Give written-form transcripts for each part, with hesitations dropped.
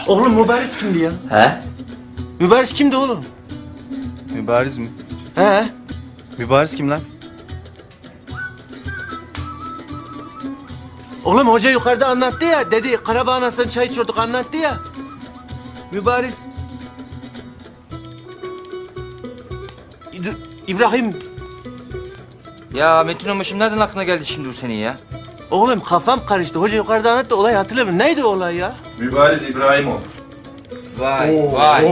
Oğlum Mübariz kimdi ya? He? Mübariz kimdi oğlum? Mübariz mi? He? Mübariz kim lan? Oğlum hoca yukarıda anlattı ya. Dedi Karabağ anasından çay içiyorduk anlattı ya. Mübariz. İbrahim. Ya Metin Onbaşım nereden aklına geldi şimdi bu senin ya? Oğlum kafam karıştı. Hoca yukarıda anlattı. Olayı hatırlamıyorum. Neydi o olay ya? Mübariz İbrahimov. Vay.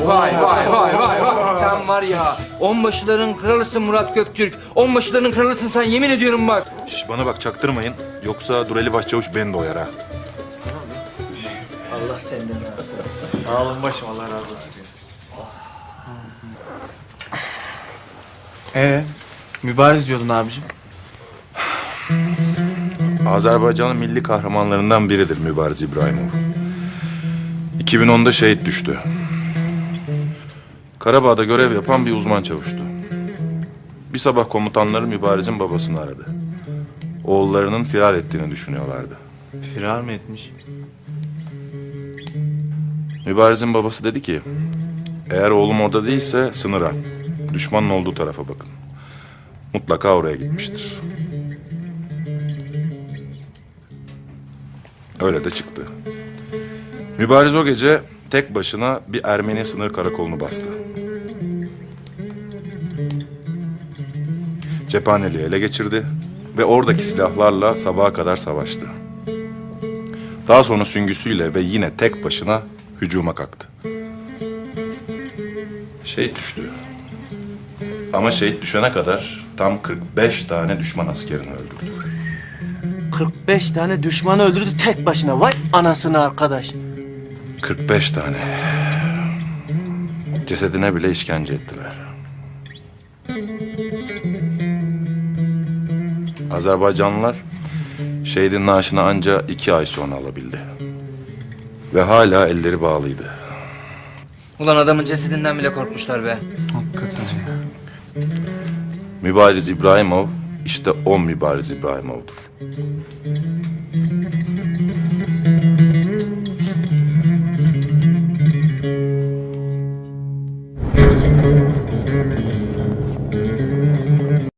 Sen var ya, onbaşıların kralısın Murat Göktürk. Onbaşıların kralısın sen, yemin ediyorum bak. Şş, bana bak çaktırmayın. Yoksa Dureli Başçavuş beni doyar ha. Allah senden razı olsun. Sağ olun başım, Allah razı olsun. Mübariz diyordun abicim. Azerbaycan'ın milli kahramanlarından biridir Mübariz İbrahimov. 2010'da şehit düştü. Karabağ'da görev yapan bir uzman çavuştu. Bir sabah komutanları Mübariz'in babasını aradı. Oğullarının firar ettiğini düşünüyorlardı. Firar mı etmiş? Mübariz'in babası dedi ki, eğer oğlum orada değilse sınıra, düşmanın olduğu tarafa bakın. Mutlaka oraya gitmiştir. Öyle de çıktı. Mübariz o gece tek başına bir Ermeni sınır karakolunu bastı. Cephaneliği ele geçirdi ve oradaki silahlarla sabaha kadar savaştı. Daha sonra süngüsüyle ve yine tek başına hücuma kalktı. Şehit düştü. Ama şehit düşene kadar tam 45 tane düşman askerini öldürdü. 45 tane düşmanı öldürdü tek başına. Vay anasını arkadaş. 45 tane. Cesedine bile işkence ettiler. Azerbaycanlılar şehidin naaşını ancak 2 ay sonra alabildi. Ve hala elleri bağlıydı. Ulan adamın cesedinden bile korkmuşlar be. Hakikaten ya. Mübariz İbrahimov işte o Mübariz İbrahimov'dur.